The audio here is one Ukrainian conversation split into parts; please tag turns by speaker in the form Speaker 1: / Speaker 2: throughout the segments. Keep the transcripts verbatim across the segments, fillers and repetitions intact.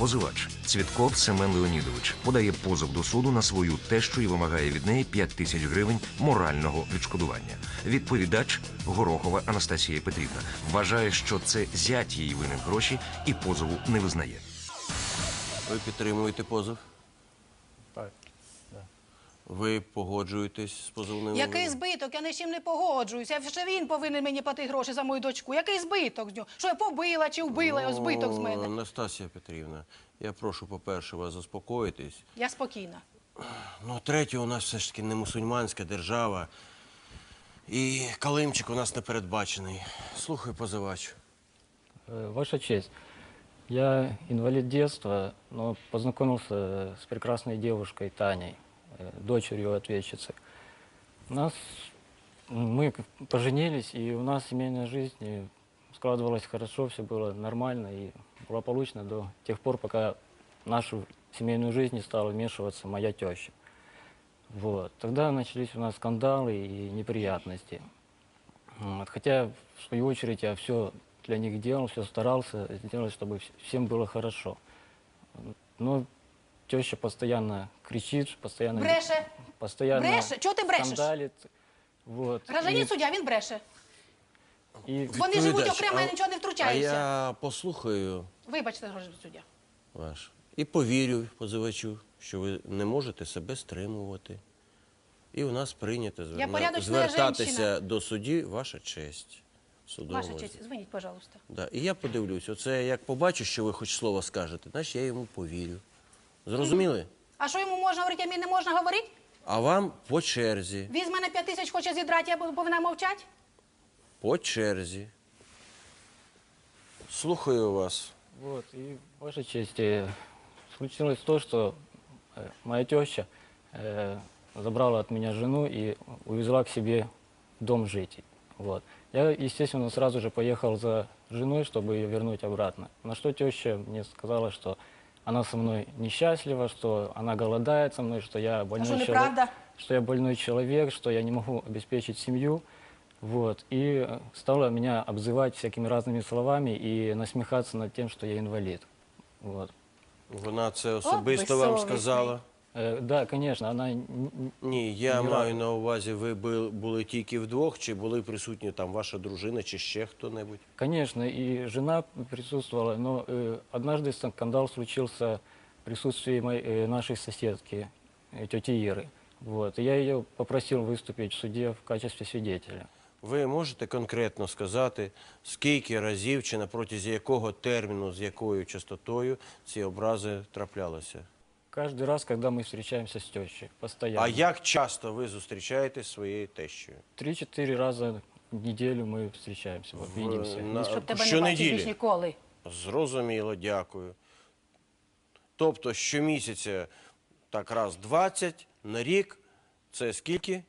Speaker 1: Позивач Цвітков Семен Леонідович подає позов до суду на свою тещу і вимагає від неї п'ять тисяч гривень морального відшкодування. Відповідач Горохова Анастасія Петрівна вважає, що це зять її винен гроші і позову не визнає.
Speaker 2: Ви підтримуєте позов?
Speaker 3: Так, да.
Speaker 2: Ви погоджуєтесь з позовним?
Speaker 4: Який збиток? Я ні з чим не погоджуюся. Ще він повинен мені платити гроші за мою дочку. Який збиток з нього? Що я побила чи вбила його збиток з мене?
Speaker 2: Анастасія Петрівна, я прошу, по-перше, вас заспокоїтись.
Speaker 4: Я спокійна.
Speaker 2: Ну, третє, у нас все ж таки не мусульманська держава. І калимчик у нас не передбачений. Слухай, позивач.
Speaker 3: Ваша честь, я инвалид детства, но познакомился с прекрасной девушкой Таней, дочерью ответчицы. Нас, мы поженились, и у нас семейная жизнь складывалась хорошо, все было нормально и благополучно до тех пор, пока в нашу семейную жизнь не стала вмешиваться моя теща. Вот. Тогда начались у нас скандалы и неприятности. Вот. Хотя, в свою очередь, я все для них делал, все старался сделать, чтобы всем было хорошо. Но теща постоянно кричит, постоянно,
Speaker 4: Бреше.
Speaker 3: постоянно
Speaker 4: Бреше? Чого ти брешеш?
Speaker 3: скандалит. Вот.
Speaker 4: Гражданин
Speaker 3: И-
Speaker 4: суддя, він бреше.
Speaker 3: и
Speaker 4: Вони живуть
Speaker 2: Відповідач,
Speaker 4: окремо, я
Speaker 2: а-
Speaker 4: нічого не
Speaker 2: А
Speaker 4: втручаюся.
Speaker 2: я послухаю
Speaker 4: Вибачте, гражданин суддя.
Speaker 2: ваш. І повірю позивачу, що ви не можете себе стримувати. І у нас прийнято зверна...
Speaker 4: порядочна
Speaker 2: звертатися
Speaker 4: женщина.
Speaker 2: до судді ваша честь. Судовому.
Speaker 4: Ваша честь, дзвоніть, пожалуйста.
Speaker 2: Да. І я подивлюсь, оце як побачу, що ви хоч слово скажете, значить я йому повірю. Зрозуміли?
Speaker 4: А що йому можна говорити, а мені не можна говорити?
Speaker 2: А вам по черзі.
Speaker 4: Він з мене п'ять тисяч хоче зідрати, я повинна мовчати?
Speaker 2: По черзі. Слухаю вас.
Speaker 3: Вот, и, Ваша честь, э, случилось то, что э, моя теща э, забрала от меня жену и увезла к себе в дом жить. Вот. Я, естественно, сразу же поехал за женой, чтобы ее вернуть обратно. На что теща мне сказала, что она со мной несчастлива, что она голодает со мной, что я больной,
Speaker 4: что,
Speaker 3: чело-
Speaker 4: неправда?
Speaker 3: что я больной человек, что я не могу обеспечить семью. Вот. И э, стала меня обзывать всякими разными словами и насмехаться над тем, что я инвалид. Вот.
Speaker 2: Вона це особисто вам
Speaker 4: безсовісний.
Speaker 2: сказала?
Speaker 3: Э, да, конечно, она н- н-
Speaker 2: Ні, я
Speaker 3: Ні
Speaker 2: маю
Speaker 3: разу.
Speaker 2: на увазі, ви бу- були тільки вдвох, чи були присутні там ваша дружина, чи ще хто-небудь?
Speaker 3: Конечно, и жена присутствовала, но э, однажды скандал случился в присутствии моей, э, нашей соседки, э, тети Иры. Вот. И я ее попросил выступить в суде в качестве свидетеля.
Speaker 2: Ви можете конкретно сказати, скільки разів чи на протязі якого терміну, з якою частотою ці образи траплялися?
Speaker 3: Каждый раз, когда мы встречаемся с тещей, постоянно.
Speaker 2: А як часто ви зустрічаєтесь зі своєю тещею?
Speaker 3: Три-четыре раза в неделю мы встречаемся, вот, видимся.
Speaker 2: на-
Speaker 4: Щоб тебе не
Speaker 2: щонеділі?
Speaker 4: бачив більш ніколи.
Speaker 2: Зрозуміло, дякую. Тобто щомісяця так раз двадцять, на рік це скільки?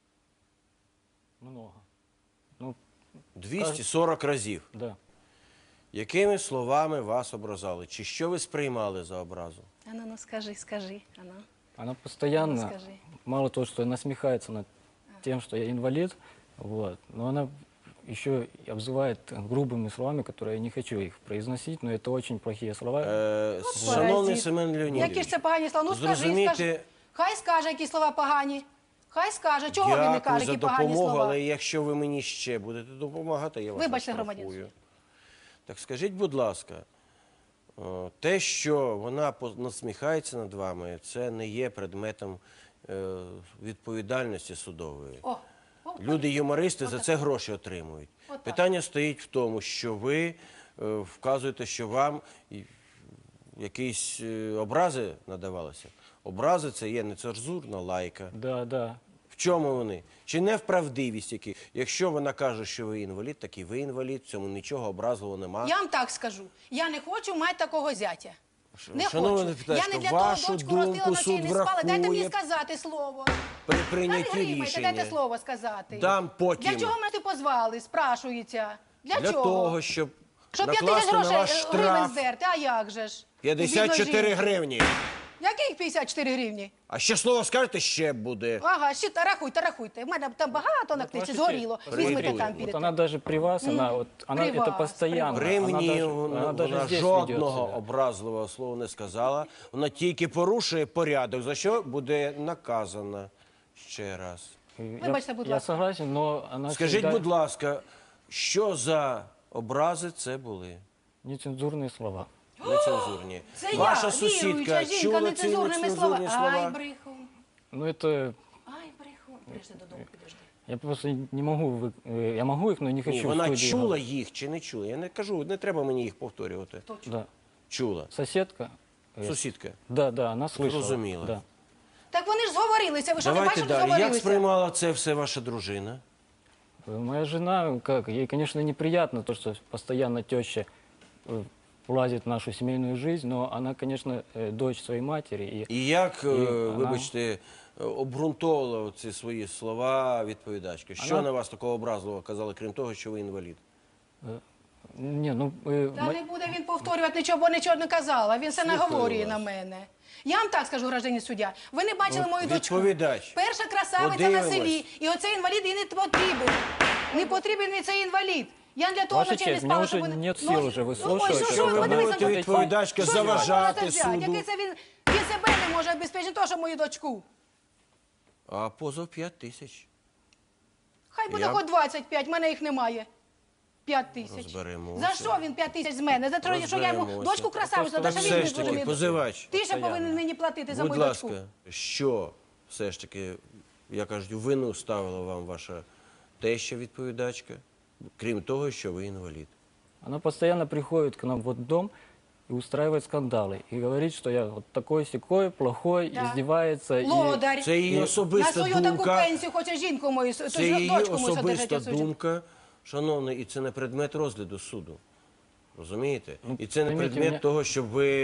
Speaker 3: Много. Ну,
Speaker 2: двісті сорок разів.
Speaker 3: да.
Speaker 2: Якими словами вас образали? Чи що ви сприймали за образу?
Speaker 4: А ну, ну скажи, скажи. А ну.
Speaker 3: Она постоянно,
Speaker 4: Расскажи.
Speaker 3: мало того, что насмехается над тем, что я инвалид, вот, но она еще и обзывает грубыми словами, которые я не хочу их произносить, но это очень плохие слова.
Speaker 2: Е, шановний
Speaker 4: паразит.
Speaker 2: Семен Леонідович,
Speaker 4: Які ж це погані слова? Ну скажи,
Speaker 2: зрозумійте,
Speaker 4: скажи. Хай скаже, які слова погані. Хай скаже, чого він не
Speaker 2: дякую
Speaker 4: каже,
Speaker 2: за
Speaker 4: які погані
Speaker 2: допомогу,
Speaker 4: слова.
Speaker 2: але якщо ви мені ще будете допомагати, я вас
Speaker 4: Вибачте,
Speaker 2: оштрафую.
Speaker 4: громадянин.
Speaker 2: Так скажіть, будь ласка, о, те, що вона по- насміхається над вами, це не є предметом е, відповідальності судової.
Speaker 4: О, о,
Speaker 2: Люди-юмористи за це гроші отримують.
Speaker 4: Отак.
Speaker 2: Питання стоїть в тому, що ви е, вказуєте, що вам і- якісь е, образи надавалися. Образи – це є нецензурна лайка.
Speaker 3: Да, да.
Speaker 2: В чому вони? Чи не в правдивість які? Якщо вона каже, що ви інвалід, так і ви інвалід, в цьому нічого образливого нема.
Speaker 4: Я вам так скажу. Я не хочу мати такого зятя. Не
Speaker 2: Шановна
Speaker 4: хочу.
Speaker 2: депутатка,
Speaker 4: Я не для
Speaker 2: вашу
Speaker 4: того дочку
Speaker 2: думку
Speaker 4: ростила, ночей
Speaker 2: суд
Speaker 4: не спала. Дайте мені
Speaker 2: врахує
Speaker 4: сказати слово.
Speaker 2: при
Speaker 4: Та не
Speaker 2: прийнятті
Speaker 4: гримайте,
Speaker 2: рішення.
Speaker 4: дайте слово сказати.
Speaker 2: Дам потім.
Speaker 4: Для чого мене ти позвали, спрашується? Для,
Speaker 2: Для
Speaker 4: чого?
Speaker 2: того, щоб,
Speaker 4: Щоб п'ять
Speaker 2: накласти
Speaker 4: тисяч
Speaker 2: на
Speaker 4: грошей
Speaker 2: ваш
Speaker 4: е, гривень
Speaker 2: штраф
Speaker 4: здерти, а як же ж?
Speaker 2: п'ятдесят чотири
Speaker 4: Бідної жінки.
Speaker 2: гривні.
Speaker 4: Яких п'ятдесят чотири гривні?
Speaker 2: А ще слово скажете, ще буде.
Speaker 4: Ага, ще та рахуйте, рахуйте. У мене там багато на книжці
Speaker 3: Ваша
Speaker 4: згоріло.
Speaker 3: честь,
Speaker 4: Візьмете
Speaker 2: смотрите,
Speaker 4: там,
Speaker 3: Вот
Speaker 4: підете.
Speaker 3: она даже при вас, она, вот, она
Speaker 4: При
Speaker 3: это
Speaker 4: вас,
Speaker 3: постоянно.
Speaker 2: При
Speaker 3: она
Speaker 2: мені
Speaker 3: даже-
Speaker 2: вона,
Speaker 3: она даже
Speaker 2: вона
Speaker 3: здесь ведет
Speaker 2: жодного
Speaker 3: себя.
Speaker 2: образливого слова не сказала. Вона тільки порушує порядок, за що буде наказана ще раз.
Speaker 3: Я-
Speaker 4: Вибачте, будь
Speaker 3: Я
Speaker 4: ласка.
Speaker 3: согласен, но она
Speaker 2: Скажіть,
Speaker 3: всегда-
Speaker 2: будь ласка, що за образи це були?
Speaker 3: Нецензурные слова.
Speaker 2: Нецензурні.
Speaker 4: Це
Speaker 2: Ваша
Speaker 4: я,
Speaker 2: сусідка
Speaker 4: віруюча жінка,
Speaker 2: чула ці
Speaker 4: нецензурними
Speaker 2: нецензурні
Speaker 4: словами.
Speaker 2: слова?
Speaker 4: Ай, брехун.
Speaker 3: Ну это...
Speaker 4: Ай, брехун. Підожди додому, підожди.
Speaker 3: Я просто не могу... вы- э, Я могу их, но не хочу
Speaker 2: Ні,
Speaker 3: в
Speaker 2: вона
Speaker 3: студии
Speaker 2: чула
Speaker 3: говорить.
Speaker 2: їх чи не чула? Я не кажу, не треба мені їх повторювати.
Speaker 3: Да.
Speaker 2: Чула.
Speaker 3: Соседка. э,
Speaker 2: Сусідка.
Speaker 3: Да, да, она слышала.
Speaker 2: Зрозуміла.
Speaker 3: Да.
Speaker 4: Так вони ж зговорилися. Ви що, не
Speaker 2: Давайте
Speaker 4: бачите,
Speaker 2: далі. Як
Speaker 4: зговорилися?
Speaker 2: сприймала це все ваша дружина?
Speaker 3: Э, Моя жена, как, ей, конечно, неприятно то, что постоянно теща э, влазит в нашу семейную жизнь, но она, конечно, э, дочь своей матери. И
Speaker 2: І як, е,
Speaker 3: вона-
Speaker 2: вибачте, е, обґрунтовувала ці свої слова відповідачка? Що
Speaker 3: Вона-
Speaker 2: на вас такого образливого казали, крім того, що ви інвалід?
Speaker 3: не, ну, э,
Speaker 4: Та
Speaker 3: мо-
Speaker 4: не буде він повторювати нічого, бо нічого не казала. Він все
Speaker 2: Слухаю
Speaker 4: наговорює
Speaker 2: вас.
Speaker 4: на мене. Я вам так скажу, гражданин суддя. Ви не бачили
Speaker 2: Ну,
Speaker 4: мою дочку.
Speaker 2: відповідач.
Speaker 4: Перша красавиця на
Speaker 2: Подивимось.
Speaker 4: селі. І оцей інвалід їй не потрібен. Не потрібен мені цей інвалід. Я для того
Speaker 3: Ваша
Speaker 4: ночей не
Speaker 3: честь,
Speaker 4: спала,
Speaker 3: мене
Speaker 4: щоб
Speaker 3: вже
Speaker 4: вони-
Speaker 3: нет
Speaker 4: Ну,
Speaker 3: сил вже
Speaker 4: ну,
Speaker 3: вислухати,
Speaker 4: ой, що,
Speaker 3: що
Speaker 4: що,
Speaker 3: ви
Speaker 4: ви
Speaker 3: говорите,
Speaker 4: подивіться,
Speaker 2: відповідачка,
Speaker 4: що ж ви
Speaker 2: заважати
Speaker 4: можете взяти?
Speaker 2: суду.
Speaker 4: Який це він, він себе не може обезпечити, то, що мою дочку.
Speaker 2: А позов п'ять тисяч.
Speaker 4: Хай буде
Speaker 2: Я-
Speaker 4: хоч двадцять п'ять, в мене їх немає. п'ять тисяч.
Speaker 2: Розберемося.
Speaker 4: За що він п'ять тисяч з мене? За те, що я йому
Speaker 2: Розберемося.
Speaker 4: дочку красавицю,
Speaker 3: Так
Speaker 4: та
Speaker 2: Так
Speaker 4: що він
Speaker 2: все
Speaker 4: не
Speaker 2: ж таки,
Speaker 4: зрозумів.
Speaker 2: позивач,
Speaker 4: Ти ще повинен мені платити за
Speaker 2: будь
Speaker 4: мою
Speaker 2: ласка,
Speaker 4: дочку.
Speaker 2: що все ж таки, я кажу, вину ставила вам ваша теща відповідачка, крім того, що ви інвалід?
Speaker 3: она постоянно приходит к нам вот в дом и устраивает скандалы. И говорит, что я вот такой-сякой, плохой,
Speaker 4: Да.
Speaker 3: издевается. И...
Speaker 4: Лодар.
Speaker 2: Це її
Speaker 4: На
Speaker 2: особиста
Speaker 4: свою таку
Speaker 2: думка.
Speaker 4: пенсію хоче жінку мою, то
Speaker 2: Це її
Speaker 4: дочку мою
Speaker 2: особиста
Speaker 4: содержать.
Speaker 2: думка, шановний, і це не предмет розгляду суду. Розумієте? І це не
Speaker 3: пойміть
Speaker 2: предмет
Speaker 3: мене-
Speaker 2: того, щоб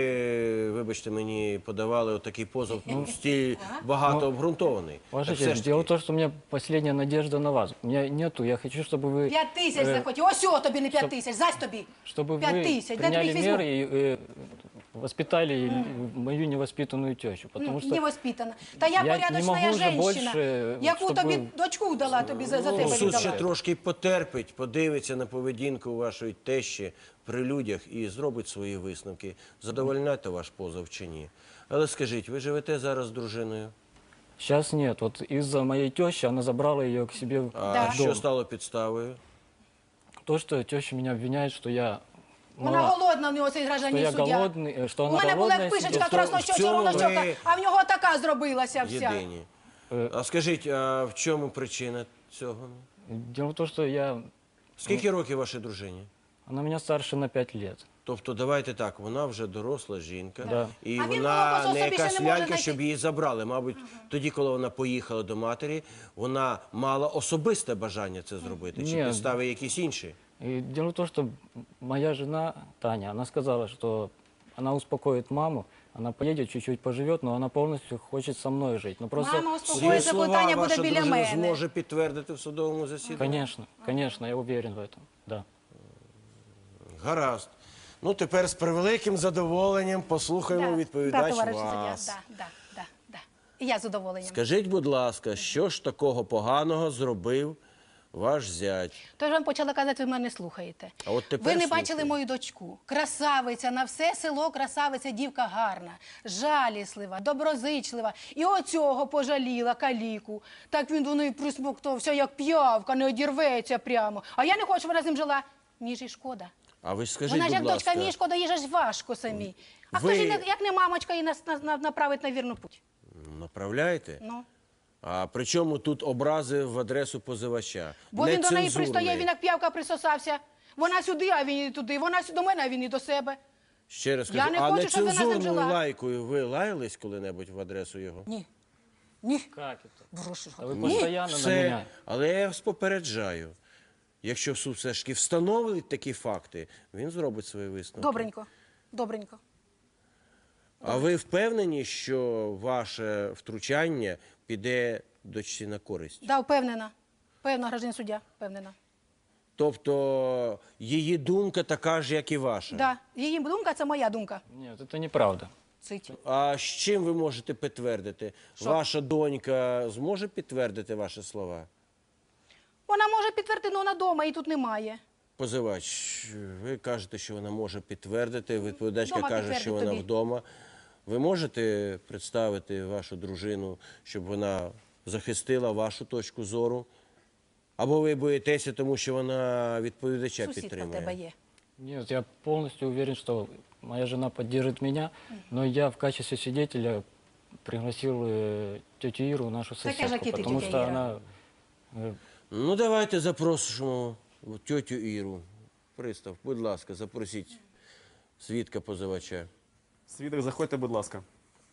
Speaker 2: ви, вибачте мені, подавали отакий позов стіль багато обґрунтований.
Speaker 3: Ваша
Speaker 2: Так все
Speaker 3: честь,
Speaker 2: ж
Speaker 3: дело в
Speaker 2: таки,
Speaker 3: том, что у меня последняя надежда на вас. У меня нету, я хочу, чтобы вы...
Speaker 4: П'ять тисяч
Speaker 3: э,
Speaker 4: захотів. Ось о тобі не п'ять тисяч, зась тобі.
Speaker 3: Чтобы
Speaker 4: П'ять
Speaker 3: вы
Speaker 4: тисяч. Де тобі
Speaker 3: приняли
Speaker 4: їх візьму?
Speaker 3: меры и э, воспитали мою невоспитанную тещу. Потому что
Speaker 4: Невоспитана. Та я,
Speaker 3: я не
Speaker 4: порядочна
Speaker 3: можу вже
Speaker 4: женщина,
Speaker 3: більше,
Speaker 4: яку
Speaker 3: щоб
Speaker 4: тобі
Speaker 3: ви-
Speaker 4: дочку дала, тобі за, за тебе
Speaker 2: суд ще
Speaker 4: віддала.
Speaker 2: трошки потерпить, подивиться на поведінку вашої тещі при людях і зробить свої висновки. Задовольняти ваш позов чи ні. Але скажіть, ви живете зараз з дружиною?
Speaker 3: сейчас нет. Вот из-за моей тещи она забрала ее к себе в
Speaker 2: А
Speaker 4: Да.
Speaker 2: що
Speaker 3: дом.
Speaker 2: стало підставою?
Speaker 3: То, что теща меня обвиняет, что я...
Speaker 4: Вона
Speaker 3: мала-
Speaker 4: голодна в нього цей
Speaker 3: что
Speaker 4: гражданин
Speaker 3: я
Speaker 4: суддя.
Speaker 3: голодный, э, что
Speaker 4: У
Speaker 3: она
Speaker 4: мене була
Speaker 3: голодная
Speaker 4: як пишечка
Speaker 3: сидит.
Speaker 2: в цьому
Speaker 4: краснощока, ровнощока,
Speaker 2: ви-
Speaker 4: а в нього така зробилася вся.
Speaker 2: Єдині.
Speaker 3: Е.
Speaker 2: А скажіть, а в чому причина цього?
Speaker 3: Дело в том, что я...
Speaker 2: Скільки років вашій дружині?
Speaker 3: Она меня старше на пять лет.
Speaker 2: Тобто, давайте так, вона вже доросла жінка,
Speaker 3: Да.
Speaker 2: і
Speaker 4: А він
Speaker 2: вона
Speaker 4: молокосос
Speaker 2: не
Speaker 4: собі ще
Speaker 2: якась
Speaker 4: не може
Speaker 2: лялька,
Speaker 4: знайти.
Speaker 2: щоб її забрали. Мабуть, тоді, коли вона поїхала до матері, вона мала особисте бажання це зробити, чи
Speaker 3: Ні.
Speaker 2: підстави якісь інші?
Speaker 3: И дело в том, что моя жена Таня, она сказала, что она успокоит маму, она поедет, чуть-чуть поживет, но она полностью хочет со мной жить. Но просто...
Speaker 4: Мама
Speaker 2: Ці
Speaker 4: успокоїться, коли
Speaker 2: слова
Speaker 4: Таня буде
Speaker 2: ваша
Speaker 4: біля
Speaker 2: дружина
Speaker 4: мене.
Speaker 2: зможе підтвердити в судовому засіданні?
Speaker 3: Конечно, конечно, я уверен в этом, да.
Speaker 2: Гаразд. Ну, тепер з превеликим задоволенням послухаємо
Speaker 4: Да,
Speaker 2: відповідач
Speaker 4: да, товариш суддя,
Speaker 2: вас.
Speaker 4: да, да, да, да. І я з задоволенням.
Speaker 2: Скажіть, будь ласка, що ж такого поганого зробив ваш зять?
Speaker 4: Тож вам почала казати, ви мене не слухаєте.
Speaker 2: А от тепер
Speaker 4: ви не
Speaker 2: слухаю.
Speaker 4: бачили мою дочку. Красавиця, на все село красавиця, дівка гарна, жаліслива, доброзичлива. І оцього пожаліла каліку. Так він до неї присмоктався, як п'явка, не одірветься прямо. А я не хочу, щоб вона з ним жила. Мені ж і шкода.
Speaker 2: А ви ж скажіть,
Speaker 4: Вона ж як
Speaker 2: будь
Speaker 4: дочка,
Speaker 2: ласка,
Speaker 4: мені шкода, їй же ж важко самі. А
Speaker 2: Ви-
Speaker 4: хто ж, її, як не мамочка, її нас- нас- направить на вірну путь?
Speaker 2: направляєте?
Speaker 4: Ну.
Speaker 2: А при чому тут образи в адресу позивача?
Speaker 4: Бо він до неї
Speaker 2: Нецензурний.
Speaker 4: пристає, він як п'явка присосався. Вона сюди, а він і туди. Вона сю- до мене, а він і до себе.
Speaker 2: Ще раз
Speaker 4: Я
Speaker 2: кажу,
Speaker 4: не
Speaker 2: а
Speaker 4: хочу, щоб вона з ним
Speaker 2: нецензурною
Speaker 4: жила.
Speaker 2: лайкою ви лаялись коли-небудь в адресу його?
Speaker 4: Ні. Ні.
Speaker 3: Как это?
Speaker 4: Прошу.
Speaker 3: Да вы
Speaker 4: Ні.
Speaker 3: постоянно на
Speaker 2: Все,
Speaker 3: меня.
Speaker 2: але я вас попереджаю. Якщо суд все ж таки встановить такі факти, він зробить свої висновки.
Speaker 4: Добренько. Добренько.
Speaker 2: А ви впевнені, що ваше втручання піде дочці на користь?
Speaker 4: Да, впевнена. Певна, гражданин суддя, впевнена.
Speaker 2: Тобто її думка така ж, як і ваша?
Speaker 4: Да. Її думка – це моя думка.
Speaker 3: Нет, это неправда.
Speaker 4: Цить.
Speaker 2: А з чим ви можете підтвердити?
Speaker 4: Що?
Speaker 2: Ваша донька зможе підтвердити ваші слова?
Speaker 4: Вона може підтвердити, але вона вдома, її тут немає.
Speaker 2: Позивач, ви кажете, що вона може підтвердити, відповідачка
Speaker 4: Вдома
Speaker 2: каже,
Speaker 4: підтвердить
Speaker 2: що вона
Speaker 4: тобі.
Speaker 2: вдома. Ви можете представити вашу дружину, щоб вона захистила вашу точку зору? Або ви боїтеся, тому що вона відповідача
Speaker 4: Сусідка в
Speaker 2: підтримує?
Speaker 4: тебе є.
Speaker 3: Нет, я полностью уверен, что моя жена поддержит меня, но я в качестве свидетеля пригласил э, тетю Иру, нашу
Speaker 4: Таке ж,
Speaker 3: соседку,
Speaker 4: як і ти,
Speaker 3: потому
Speaker 4: тетя
Speaker 3: что
Speaker 4: Іра.
Speaker 3: она э,
Speaker 2: Ну, давайте запросимо тетю Іру. Пристав, будь ласка, запросіть свідка позивача.
Speaker 5: Свідок, заходьте, будь ласка.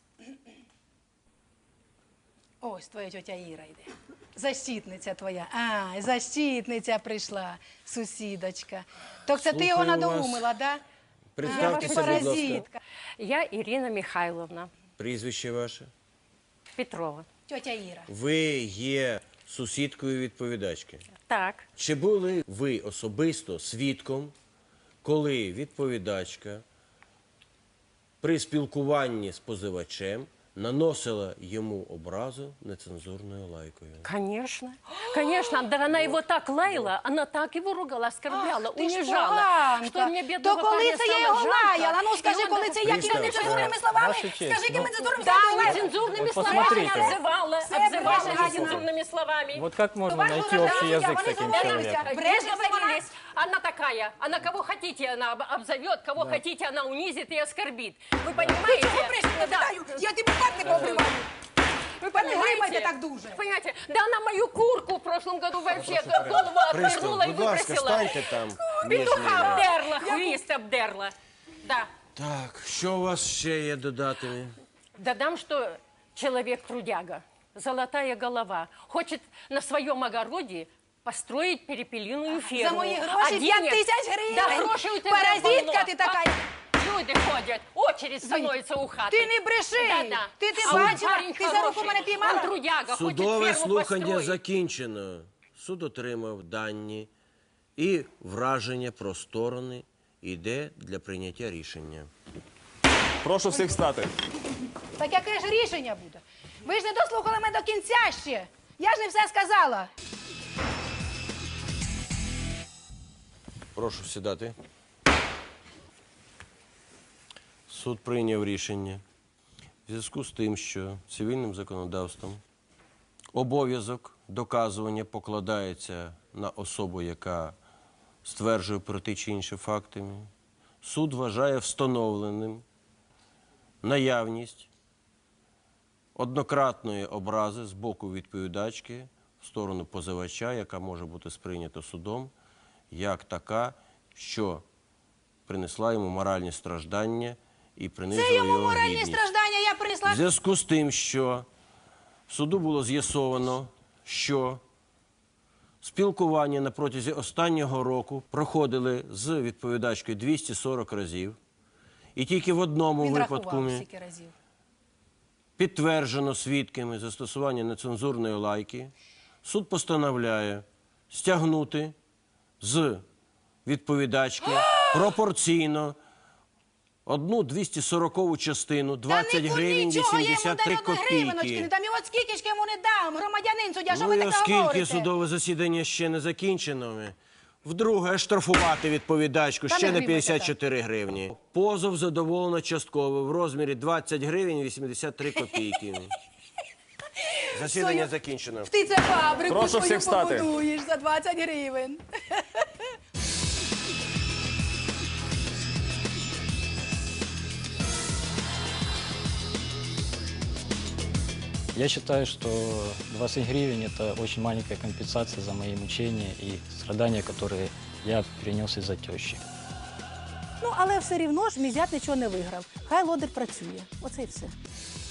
Speaker 4: Ось твоя тетя Іра йде. Защитниця твоя. А, защитниця прийшла, сусідочка. Так це ти його
Speaker 2: Слухаю вас.
Speaker 4: надоумила, да? А, ти
Speaker 2: Представтеся, будь ласка.
Speaker 4: паразитка.
Speaker 6: Я Ирина Михайловна
Speaker 2: Прізвище ваше.
Speaker 6: Петрова.
Speaker 4: Тетя Іра.
Speaker 2: Ви є сусідкою відповідачки.
Speaker 6: Так,
Speaker 2: Чи були ви особисто свідком, коли відповідачка при спілкуванні з позивачем наносила йому образу нецензурною лайкою?
Speaker 6: конечно. Конечно, да она его так лаяла, она так его ругала, оскорбляла,
Speaker 4: Ах, ти ж
Speaker 6: унижала.
Speaker 4: поганка.
Speaker 6: Что мне бедного
Speaker 4: То коли
Speaker 6: парня
Speaker 4: це я
Speaker 6: стало
Speaker 4: його
Speaker 6: жалко,
Speaker 4: лаяла? Ну
Speaker 6: и
Speaker 4: скажи,
Speaker 6: он
Speaker 4: коли
Speaker 6: так-
Speaker 4: це якими
Speaker 2: Пристав,
Speaker 4: нецензурними
Speaker 2: е,
Speaker 4: словами?
Speaker 3: Ваша честь,
Speaker 4: Скажи, якими
Speaker 3: ну,
Speaker 4: нецензурними
Speaker 6: Да,
Speaker 4: словами?
Speaker 6: нецензурными
Speaker 3: Вот
Speaker 6: словами
Speaker 3: посмотрите.
Speaker 6: обзывала,
Speaker 4: Все
Speaker 6: обзывала
Speaker 4: правильно.
Speaker 6: нецензурными словами.
Speaker 3: вот как можно
Speaker 4: ваша
Speaker 3: найти
Speaker 4: жена,
Speaker 3: общий
Speaker 4: я
Speaker 3: язык
Speaker 4: вас
Speaker 3: с таким
Speaker 4: не
Speaker 3: человеком?
Speaker 4: знаю.
Speaker 6: Не договорились. Она такая, она кого хотите, она об- обзовет, кого хотите, она унизит и оскорбит. Вы понимаете? Да.
Speaker 4: Я тебе так не побриваю. Ви не
Speaker 6: Понимаете?
Speaker 4: гримайте так дуже.
Speaker 6: Понимаете? Да она мою курку в прошлом году вообще голову отвернула и
Speaker 2: будь ласка,
Speaker 6: выбросила.
Speaker 2: станьте там між
Speaker 6: Петуха
Speaker 2: ними.
Speaker 6: обдерла, хвіст обдерла. Да.
Speaker 2: Так, що у вас ще є додати?
Speaker 6: Додам, что человек трудяга, золотая голова, хочет на своем огороде построить перепелиную ферму.
Speaker 4: За мої гроші
Speaker 6: А
Speaker 4: п'ять
Speaker 6: денег-
Speaker 4: тисяч гривень.
Speaker 6: Да, грошей у тебя
Speaker 4: Паразитка
Speaker 6: полно.
Speaker 4: ти така.
Speaker 6: Люди ходят, очередь становится у хаты.
Speaker 4: Ти не бреши.
Speaker 6: Да-да.
Speaker 4: Ти, ти
Speaker 6: А он
Speaker 4: бачила,
Speaker 6: парень
Speaker 4: ти за руку
Speaker 6: хороший.
Speaker 4: мене піймала.
Speaker 6: Он трудяга,
Speaker 2: Судове
Speaker 6: хочет ферму
Speaker 2: слухання
Speaker 6: построить.
Speaker 2: закінчено. Суд отримав дані і враження про сторони йде для прийняття рішення.
Speaker 5: Прошу всіх встати.
Speaker 4: Так яке ж рішення буде? Ви ж не дослухали мене до кінця ще. Я ж не все сказала.
Speaker 2: Прошу сідати. Суд прийняв рішення в зв'язку з тим, що цивільним законодавством обов'язок доказування покладається на особу, яка стверджує про ті чи інші факти. Суд вважає встановленим наявність однократної образи з боку відповідачки в сторону позивача, яка може бути сприйнята судом, як така, що принесла йому моральні страждання і принизила
Speaker 4: Це йому
Speaker 2: його
Speaker 4: моральні
Speaker 2: гідність.
Speaker 4: страждання я принесла.
Speaker 2: В зв'язку з тим, що в суду було з'ясовано, що спілкування на протязі останнього року проходили з відповідачкою двісті сорок разів, і тільки в одному
Speaker 4: Він
Speaker 2: випадку
Speaker 4: рахував стільки разів.
Speaker 2: підтверджено свідками застосування нецензурної лайки, суд постановляє стягнути з відповідачки пропорційно одну двісті сорокову частину, двадцять гривень вісімдесят три
Speaker 4: гривеночки не
Speaker 2: копійки.
Speaker 4: дам. І от скільки ж йому не дам, громадянин суддя, що
Speaker 2: Ну
Speaker 4: ви
Speaker 2: і
Speaker 4: таке
Speaker 2: оскільки
Speaker 4: говорите?
Speaker 2: судове засідання ще не закінчено, вдруге штрафувати відповідачку
Speaker 4: Та не
Speaker 2: ще на
Speaker 4: гримайте
Speaker 2: п'ятдесят чотири гривні. Позов задоволено частково в розмірі двадцять гривень вісімдесят три копійки. Засідання
Speaker 4: Свою-
Speaker 2: закінчено.
Speaker 4: Ти це фабрику
Speaker 5: Прошу
Speaker 4: свою
Speaker 5: всіх встати.
Speaker 4: побудуєш за двадцять гривень.
Speaker 3: Я считаю, что двадцать гривен – это очень маленькая компенсация за мои мучения и страдания, которые я перенес из-за тещи.
Speaker 4: Ну, але все рівно ж мій зять нічого не виграв. Хай лодир працює. Оце і все.